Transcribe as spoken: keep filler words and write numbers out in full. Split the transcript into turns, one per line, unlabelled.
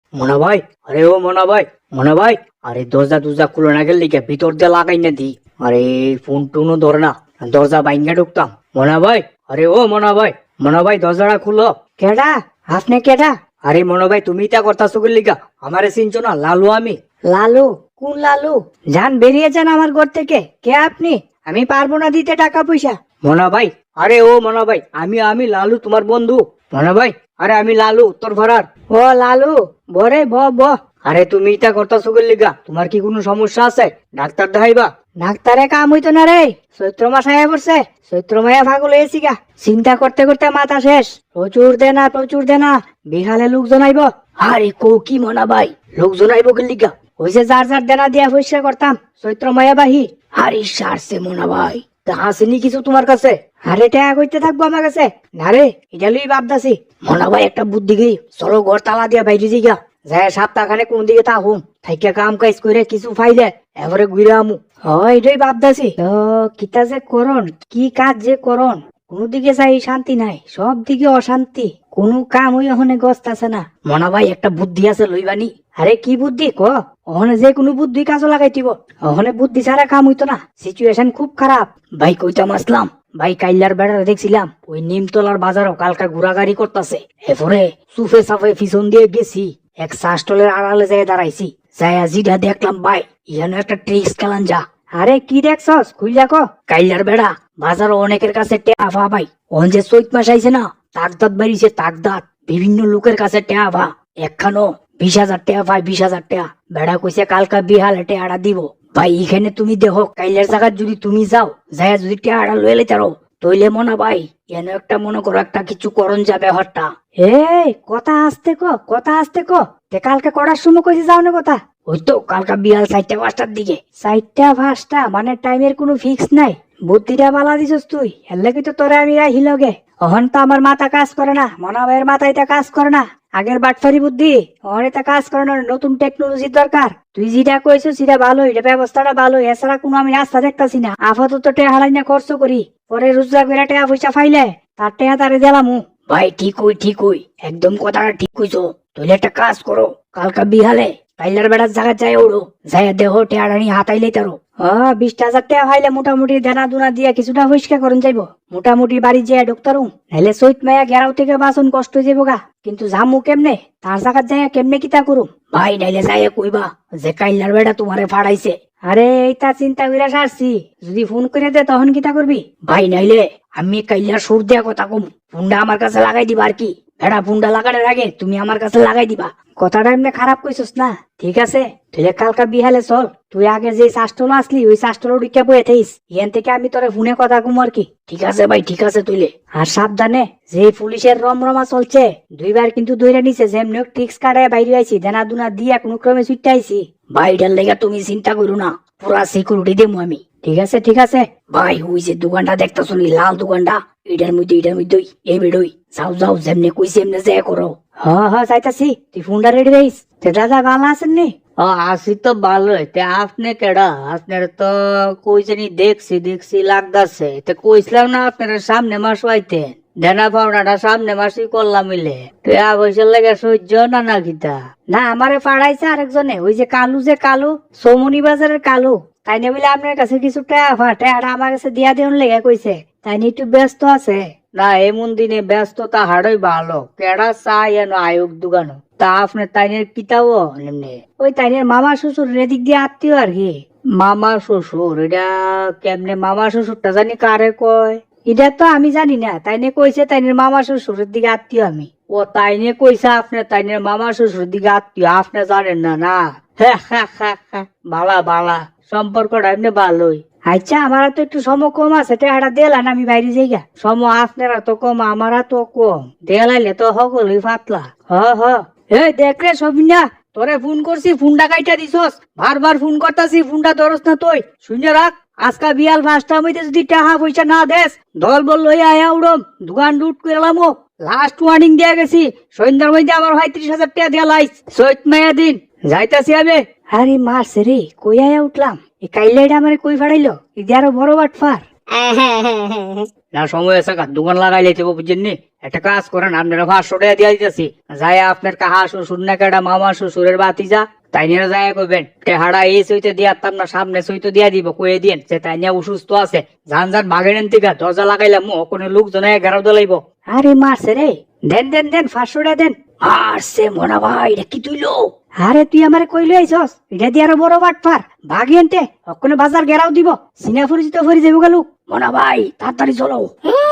মনা ভাই, আরে ও মনা ভাই, মনা ভাই, আরে দরজা দরজা খুলে না গেলে লিখে ভিতর দিয়ে লাগাই না দি। আরে ফোন টোনও ধরে না, দরজা বাইঙ্গা ঢুকতাম। মনা ভাই, আরে ও মনা ভাই, মনা ভাই দরজাটা খুলো। কেডা? আপনি কেডা? আরে মনা ভাই, তুমি তা করতাছো কি লিগা? আমারে চিনছো না? লালু আমি। লালু? কোন লালু? যান বেরিয়ে যান আমার ঘর থেকে। কে আপনি? আমি পারবো না দিতে টাকা পয়সা। মনা ভাই, আরে ও মনা ভাই, আমি আমি লালু তোমার বন্ধু। মনা ভাই, আরে আমি লালু উত্তর ভাড়ার। ও লালু, বরে ব ব। আরে তুমি ইটা করতাছো কি লিগা? তোমার কি কোনো সমস্যা আছে? ডাক্তার দেখাইবা? ডাক্তারে কাম হইতো না রে, চৈত্র মাস আয়া পড়ছে। চৈত্র মায়া পাগল হয়েছি গা। চিন্তা করতে করতে মাথা শেষ। প্রচুর দেনা প্রচুর দেনা, বিহালে লোকজন আইব। আরে কো কি মনা ভাই, লোকজন আইব কি লিগা? হইছে যার যার দেনা দিয়া পয়সা করতাম চৈত্র মায়া বাহি। আরে সারছে মনা ভাই, তা আসেনি কিছু তোমার কাছে? আরে টাকা কইতে থাকবো আমার কাছে না রে, এটা লই ভাবতাছি। মনা ভাই একটা বুদ্ধি গই, চলো ঘর তালা দিয়া বাইরে যাইগা, যায় সপ্তাহখানে কোন দিকে তা হুম থাইকা কাম কাজ করে কিছু ফাইলে এবারে ঘুরে আমু। হয় এটাই ভাবতাছি। তো কিতা যে করন, কি কাজ যে করন, কোন দিকে চাই শান্তি নাই, সব দিকে অশান্তি, কোন কাম ওই ওখানে গস্তাছে না। মনা ভাই একটা বুদ্ধি আছে লইবানি। আরে কি বুদ্ধি ক? ওখানে যে কোনো বুদ্ধি কাজে লাগাই দিব, ওখানে বুদ্ধি ছাড়া কাম হইতো না, সিচুয়েশন খুব খারাপ। ভাই কইতাম আসলাম, ভাই কাইলার বেড়া দেখছিলাম ওই নিমতলার বাজারও কালকা ঘোরাগাড়ি করতেছে। এরপরে সুফে সাফে পিছন দিয়ে গেছি, এক শাসটলের আড়ালে যায় দাঁড়াইছি, যাইয়া জিটা দেখলাম ভাই ইহানো একটা ট্রিক্স খেলান যা। আরে কি দেখছস খুইলা ক? কাইলার বেড়া বাজারও অনেকের কাছে টেয়া ভাই, ওন যে চৈত মাস আইছে না, তাকদাত বাড়িছে তাকদাত, বিভিন্ন লোকের কাছে টেয়া ভা, একখানো বিশ হাজার টাকা ভাই, বিশ হাজার টাকা। বেড়া কইছে কালকা বিহালে টেয়াটা দিব। ভাই এখানে তুমি দেখো কাইলের জায়গা যদি তুমি যাও, যাইয়া যদি টেয়াটা লয়ে লইতে পারো, তইলে মনে ভাই এনে একটা মনে করো একটা কিছু করণ যাবে হরটা। এই কথা আসতে ক, কথা আসতে ক। তে কালকে করার সময় কইছে যাও না কথা? ওই তো কালকা বিহাল চারটা পাঁচটার দিকে। চারটা পাঁচটা মানে টাইমের কোনো ফিক্স নাই। বুদ্ধিটা বালা দিছস তুই, এর লাগি তো তোরে আমি রাহি লগে। অহন তো আমার মাথা কাজ করে না, মনা ভাইয়ের মাথা এটা কাজ করে না। আগের বাটফারি বুদ্ধি অহন এটা কাজ করে না, নতুন টেকনোলজির দরকার। তুই যেটা কইছিস সেটা ভালো, এটা ব্যবস্থাটা ভালো, এছাড়া কোনো আমি রাস্তা দেখতাছি না। আপাতত টেহা হালাই না খরচ করি, পরে রোজগার করে টাকা পয়সা ফাইলে তার টেহা তারে দিলামু। ভাই ঠিক হই ঠিক হই, একদম কথাটা ঠিক কইছো। তুই একটা কাজ করো, কালকা বিহালে কাইলার বেড়ার জায়গা যায় ওড়ো, যায় দেহ টেয়ারানি হাতাইলেই তারো। হ্যাঁ বিশ হাজার টাকা ফাইলে মোটামুটি দেনা দুনা দিয়া কিছুটা পরিষ্কার করুন যাইব, মোটামুটি বাড়ি যেয়ে ঢুকতারু। নাইলে চৈত মায়া গেরাও থেকে বাসন কষ্ট হয়ে যাবো গা। কিন্তু জামু কেমনে, তার জায়গা যায় কেমনে কিতা করুম ভাই? নাইলে যায় কইবা যে কাইলার বেড়া তোমারে ফাড়াইছে। আরে এইটা চিন্তা কইরা সারছি, যদি ফোন করে দে তখন কিতা করবি ভাই? নাইলে আমি কাইলার সুর দিয়া কথা কম, ফোনটা আমার কাছে লাগাই দিবা আর কি। ভেড়া ফোনটা লাগানোর আগে তুমি আমার কাছে লাগাই দিবা। কথাটা এমনি খারাপ কইছস না? ঠিক আছে তুই কালকা বিহালে চল, তুই আগে যে শাস্টল আসলি ওই শাস্টল উড়িকা বয়ে থাইস, ইয়ান থেকে আমি তোরে ফোনে কথা কম আর কি। ঠিক আছে ভাই ঠিক আছে তুইলে। আর সাবধানে, যে পুলিশের রমরমা চলছে, দুইবার কিন্তু ধরে নিছে, যেমনি টিক্স কাটায় বাইরে আইছি, দেনা দুনা দিয়া কোনো ক্রমে ছুটতে আইছি। ভাই এটার লেগে তুমি চিন্তা করো না, পুরা সিকিউরিটি দেবো আমি। ঠিক আছে ঠিক আছে ভাই। ওই যে দোকানটা দেখতে শুনি লাল দোকানটা, এটার মধ্যে এটার মধ্যে এই বেড়ই যাও যাও, যেমনি কইছি এমনি যে করো। হ্যাঁ হ্যাঁ যাইতাছি, তুই ফোনটা রেডি রাইস। দাদা ভালো আছেন নি? ও আসি তো ভালোই। তে আপনি কেডা? আপনার তো কই জানি দেখছি দেখছি লাগতাছে। তে কইছিলাম না আপনার সামনে মাস হইতে দেনা পাওনাটা সামনে মাসই করলাম মিলে। তুই আবশ্যক লাগে সহ্য না না কিতা? না আমারে পাড়াইছে আরেকজনে, ওই যে কালু, যে কালু সৌমনি বাজারের কালু, তাই না বলে আপনার কাছে কিছু টাকা টাকা আমার কাছে দিয়া দেন লেগে কইছে। তাই নিয়ে একটু ব্যস্ত আছে। না এমন দিনে ব্যস্ততা হাড়ই ভালো, কেডা চাই এনো আয়োগ দোকানো। তা আপনার তাইনের কিতাও এমনি ওই তাইনের মামা শ্বশুর এদিক দিয়ে আত্মীয় আর কি। মামা শ্বশুর? এটা কেমনে মামা শ্বশুরটা জানি কারে কয়? এটা তো আমি জানি না, তাইনে কইছে তাইনের মামা শ্বশুরের দিকে আত্মীয় আমি। ও তাইনে কইছে আপনার তাইনের মামা শ্বশুরের দিকে আত্মীয়, আপনি জানেন না? না বালা বালা, সম্পর্কটা এমনি ভালোই। আচ্ছা আমার তো একটু সম কম আছে, টাকাটা দিলাম আমি বাইরে যাই গা। সম আপনারা তো কম, আমারা তো কম, দেলাইলে তো সকলই পাতলা। হ হ এই দেখ রে সবিনা, তোরে ফোন করছি ফোনটা কাইটা দিছস, বারবার ফোন করতাছি ফোনটা ধরস না তুই। শুনে রাখ, আজকা বিয়াল পাঁচটা মধ্যে যদি টাকা পয়সা না দেস, দল বল লই আয়া উড়ম, দোকান লুট করলাম। লাস্ট ওয়ার্নিং দিয়া গেছি, সন্ধ্যার মধ্যে আমার হয় ত্রিশ হাজার টাকা দিয়া লাইস। চৈত মায়া দিন যাইতাছি আমি। আরে মাস রে কই আয়া উঠলাম, এই কাইলাইটা আমারে কই ফাড়াইলো, ইদি আরো বড় বাটফার। না সময় আছে, দোকান লাগাই লাইতে বুঝছেন নি? একটা কাজ করেন, আপনারা পাঁচশো টাকা দিয়ে দিতেছি, যাই আপনার কাহা শ্বশুর না কেটা মামা শ্বশুরের বাতিজা তাই নিয়ে যায় কইবেন টেহারা এই সইতে দিয়ে আপনার সামনে সইতে দিয়া দিব, কয়ে দিন যে তাই নিয়ে অসুস্থ আছে, যান যান বাগেন থেকে দরজা লাগাইলাম কোনো লোকজন এগারো দলাইব। আরে মারছে রে, দেন দেন দেন পাঁচশো টাকা দেন। মারছে মনা ভাই, এটা কি তুইলো? আরে তুই আমার কইলো আইছস, এটা দিয়ে আরো বড় বাটপার ভাগিয়েনতে অক্ষণে বাজার গেরাও দিব, সিনা ফুরিজিত ফুরি যাবো গেলু। মনা ভাই তাড়াতাড়ি চলো।